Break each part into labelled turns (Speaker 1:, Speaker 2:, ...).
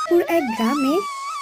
Speaker 1: এক গ্রামে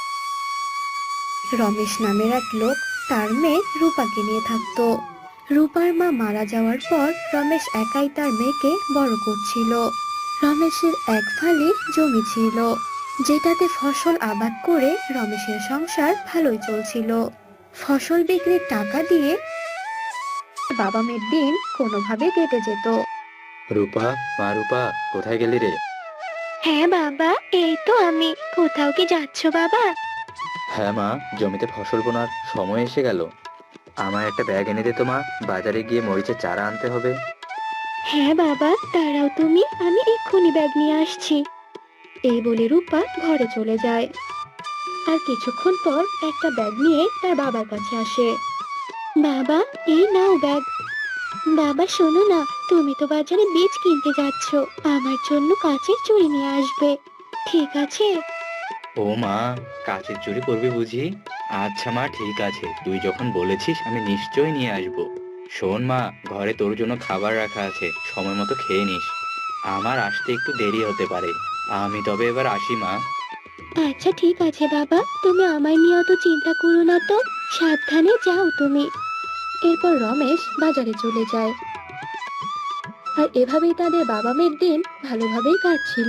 Speaker 1: রমেশ নামের এক লোক তার মেয়ে রূপাকে নিয়ে থাকতো। রূপার মা মারা যাওয়ার পর রমেশ একাই তার মেয়েকে বড় করছিল। রমেশের এক ফালি জমি ছিল, যেটাতে ফসল আবাদ করে রমেশের সংসার ভালোই চলছিল। ফসল বিক্রির টাকা দিয়ে বাবা মেয়ের দিন কোনোভাবে কেটে যেত।
Speaker 2: রূপা, মা রূপা, কোথায় গেলি রে?
Speaker 1: হ্যাঁ বাবা, এই তো আমি। কোথাও কি যাচ্ছ বাবা?
Speaker 2: হ্যাঁ মা, জমিতে ফসল বোনার সময় এসে গেল। আমার একটা ব্যাগ এনে দে তো মা, বাজারে গিয়ে মরিচের চারা আনতে হবে।
Speaker 1: হ্যাঁ বাবা, দাঁড়াও তুমি, আমি এক্ষুনি ব্যাগ নিয়ে আসছি। এই বলে রূপা ঘরে চলে যায়। আর কিছুক্ষণ পর একটা ব্যাগ নিয়ে তার বাবার কাছে আসে। বাবা, এই নাও ব্যাগ। বাবা শোনো না, তুমি তো বাজারে বীজ কিনতে যাচ্ছ, আমার জন্য কাঁচের চুড়ি নিয়ে আসবে, ঠিক আছে?
Speaker 2: ও মা, কাচের চুরি করবি বুঝি? আচ্ছা মা, ঠিক আছে, তুই যখন বলেছিস আমি নিশ্চয়ই নিয়ে আসবো। শোন মা, ঘরে তোর জন্য খাবার রাখা আছে, সময় মতো খেয়ে নিস। আমার আসতে একটু দেরি হতে পারে। আমি তবে এবার আসি মা।
Speaker 1: আচ্ছা ঠিক আছে বাবা, তুমি আমায় নিয়ে অত চিন্তা করো না তো, সাবধানে যাও তুমি। এরপর রমেশ বাজারে চলে যায়। আর এভাবেই তাদের বাবা মেয়ের দিন ভালোভাবেই কাটছিল।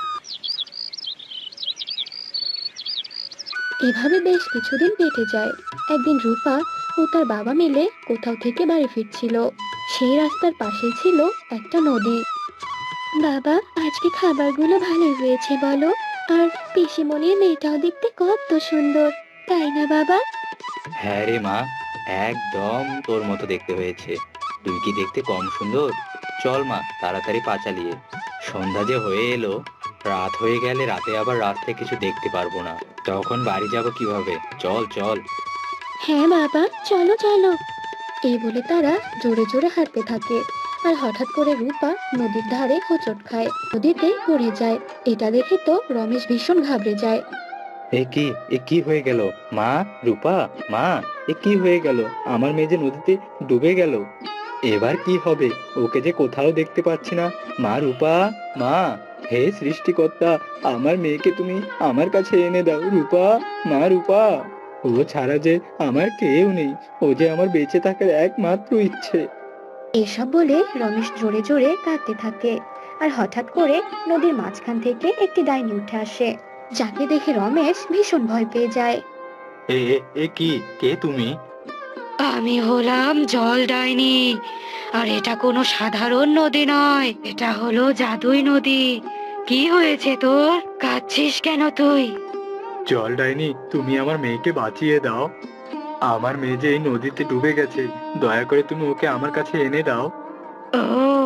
Speaker 1: এভাবে বেশ কিছুদিন কেটে যায়। একদিন রূপা ও তার বাবা মিলে কোথাও থেকে বাড়ি ফিরছিল। সেই রাস্তার পাশেই ছিল একটা নদী। বাবা, আজকে খাবারগুলো ভালোই হয়েছে বলো? আর পিসিমণির মেয়েটাও দেখতে কত সুন্দর, তাই না বাবা?
Speaker 2: হ্যাঁ রে মা, একদম তোর মতো দেখতে হয়েছে। তুই কি দেখতে কম সুন্দর? চল মা, তাড়াতাড়ি পা চালিয়ে। সন্ধ্যা যে হয়ে এলো, রাত হয়ে গেলে রাতে আবার রাস্তায় কিছু দেখতে পারবো না, তখন বাড়ি যাব কিভাবে? চল চল।
Speaker 1: হ্যাঁ বাবা, চলো চলো। এই বলে তারা জোরে জোরে হাঁটতে থাকে। আর হঠাৎ করে রূপা নদীর ধারে হোঁচট খায়, নদীতে পড়ে যায়। এটা দেখে তো রমেশ ভীষণ ঘাবড়ে যায়।
Speaker 2: এ কি, এ কি হয়ে গেল? মা, রূপা, মা, এ কি হয়ে গেল? আমার মেয়ে যে নদীতে ডুবে গেল। এবার কি হবে? ওকে যে কোথাও দেখতে পাচ্ছি না। মা রূপা, মা, হে সৃষ্টিকর্তা, আমার মেয়েকে তুমি আমার কাছে এনে দাও। রূপা, মা রূপা, ও ছাড়া যে আমার কেউ নেই। ও যে আমার বেঁচে থাকার একমাত্র ইচ্ছে।
Speaker 1: এসব বলে রমেশ জোরে জোরে কাঁদতে থাকে। আর হঠাৎ করে নদীর মাঝখান থেকে একটি ডাইনি উঠে আসে, যাকে দেখে রমেশ ভীষণ ভয় পেয়ে যায়।
Speaker 2: এ এ এ কি, কে তুমি?
Speaker 3: আমি হলাম জল ডাইনি। আর এটা কোনো সাধারণ নদী নয়, এটা হলো জাদুই নদী। কি হয়েছে তোর? কাঁদছিস কেন তুই?
Speaker 2: জল ডাইনি, তুমি আমার মেয়েকে বাঁচিয়ে দাও। আমার মেয়ে যে এই নদীতে ডুবে গেছে, দয়া করে তুমি ওকে আমার কাছে এনে দাও।
Speaker 3: ও,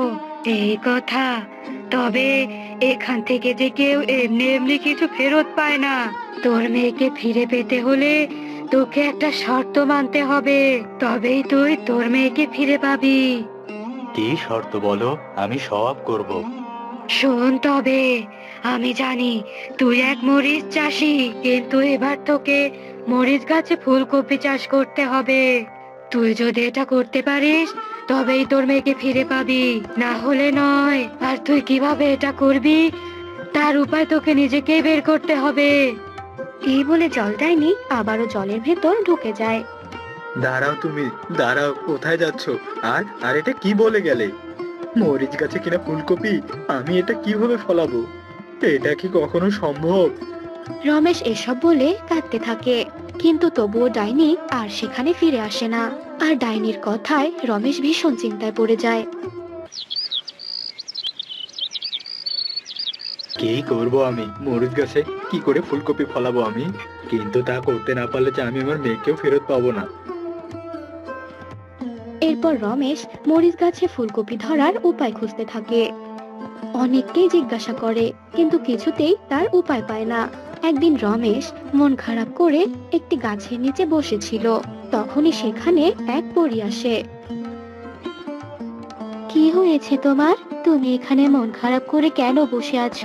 Speaker 3: এই কথা। তবে এখান থেকে যে কেউ এমনি এমনি কিছু ফেরত পায় না। তোর মেয়েকে ফিরে পেতে হলে তোকে একটা শর্ত মানতে হবে, তবেই তুই তোর মেয়েকে ফিরে পাবি।
Speaker 2: কি শর্ত বলো, আমি সব করব।
Speaker 3: শোন তবে, আমি জানি তুই এক মরিচ চাষি, কিন্তু এবার তোকে মরিচ গাছে ফুলকপি চাষ করতে হবে। তুই যদি এটা করতে পারিস তবেই তোর মেয়েকে ফিরে পাবি, না হলে নয়। আর তুই কিভাবে এটা করবি তার উপায় তোকে নিজেকেই বের করতে হবে।
Speaker 1: এই বলে জল ডাইনি আবারও জলের ভেতর ঢুকে যায়।
Speaker 2: দাঁড়াও তুমি, দাঁড়াও, কোথায় যাচ্ছ? আর আর এটা কি বলে গেলে? মরিচ গাছে কিনা ফুলকপি, আমি এটা কিভাবে ফলাবো? এটা কি কখনো সম্ভব?
Speaker 1: রমেশ এসব বলে কাঁদতে থাকে, কিন্তু তবুও ডাইনি আর সেখানে ফিরে আসে না। আর ডাইনির কথায় রমেশ ভীষণ চিন্তায় পড়ে যায়।
Speaker 2: কি করব আমি? মরিচ গাছে কি করে ফুলকপি ফলাবো আমি? কিন্তু তা করতে না পারলে যে আমি আমার মেয়েকেও ফেরত পাবো না।
Speaker 1: এরপর রমেশ মরিচ গাছে ফুলকপি ধরার উপায় খুঁজতে থাকে। অনেককেই জিজ্ঞাসা করে, কিন্তু কিছুতেই তার উপায় পায় না। একদিন রমেশ মন খারাপ করে একটি গাছের নিচে বসেছিল। তখনই সেখানে এক পরী আসে। কি হয়েছে তোমার? তুমি এখানে মন খারাপ করে কেন বসে আছো?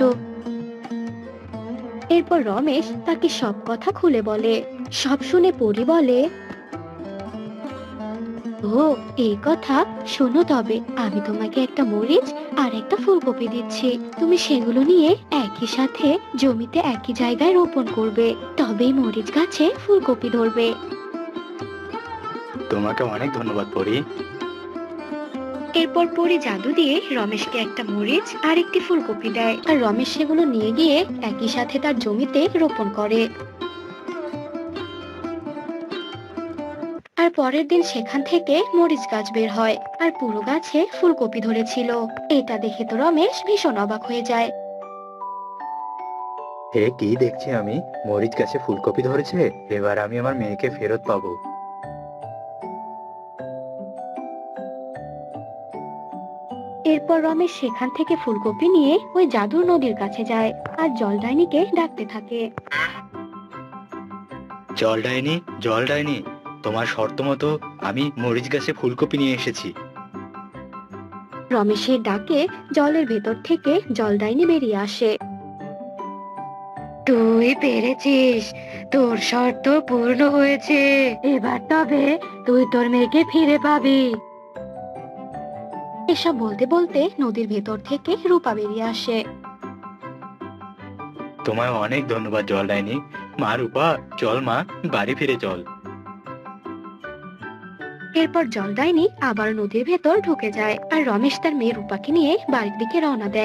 Speaker 1: এরপর রমেশ তাকে সব কথা খুলে বলে। সব শুনে পরী বলে, ও, এই কথা। শোনো তবে, আমি তোমাকে একটা মরিচ আর একটা ফুলকপি দিচ্ছি। তুমি সেগুলো নিয়ে একই সাথে জমিতে একই জায়গায় রোপণ করবে, তবেই মরিচ গাছে ফুলকপি ধরবে।
Speaker 2: তোমাকে অনেক ধন্যবাদ পরি।
Speaker 1: এরপর পরি জাদু দিয়ে রমেশকে একটা মরিচ আর একটি ফুলকপি দেয়, আর রমেশ সেগুলো নিয়ে গিয়ে একই সাথে তার জমিতে রোপণ করে। আর পরের দিন সেখান থেকে মরিচ গাছ বের হয়, আর পুরো গাছে ফুলকপি ধরেছিল। এটা দেখে তো রমেশ ভীষণ অবাক হয়ে যায়।
Speaker 2: হে, কি দেখছি আমি, মরিচ গাছে ফুলকপি ধরেছে। এবার আমি আমার মেয়েকে ফেরত পাবো।
Speaker 1: এরপর রমেশ সেখান থেকে ফুলকপি নিয়ে ওই জাদুর নদীর কাছে যায়, আর জলদাইনিকে ডাকতে থাকে।
Speaker 2: জল ডাইনি, জল ডাইনি, তোমার শর্ত মতো আমি মরিচ গাছে ফুলকপি নিয়ে এসেছি।
Speaker 1: রমেশের ডাকে জলের ভেতর থেকে জলদাইনি বেরিয়ে আসে।
Speaker 3: তুই পেরেছিস, তোর শর্ত পূর্ণ হয়েছে। এবার তবে তুই তোর মেয়েকে ফিরে পাবি।
Speaker 1: এসব বলতে বলতে নদীর ভেতর থেকে রূপা বেরিয়ে আসে।
Speaker 2: তোমায় অনেক ধন্যবাদ জল ডাইনি। মা রূপা, চল মা, বাড়ি ফিরে চল।
Speaker 1: এরপর জলদাইনি আবার নদীর ভেতর ঢুকে যায়, আর রমেশ তার মেয়ে রূপাকে নিয়ে বাড়ির দিকে রওনা দেয়।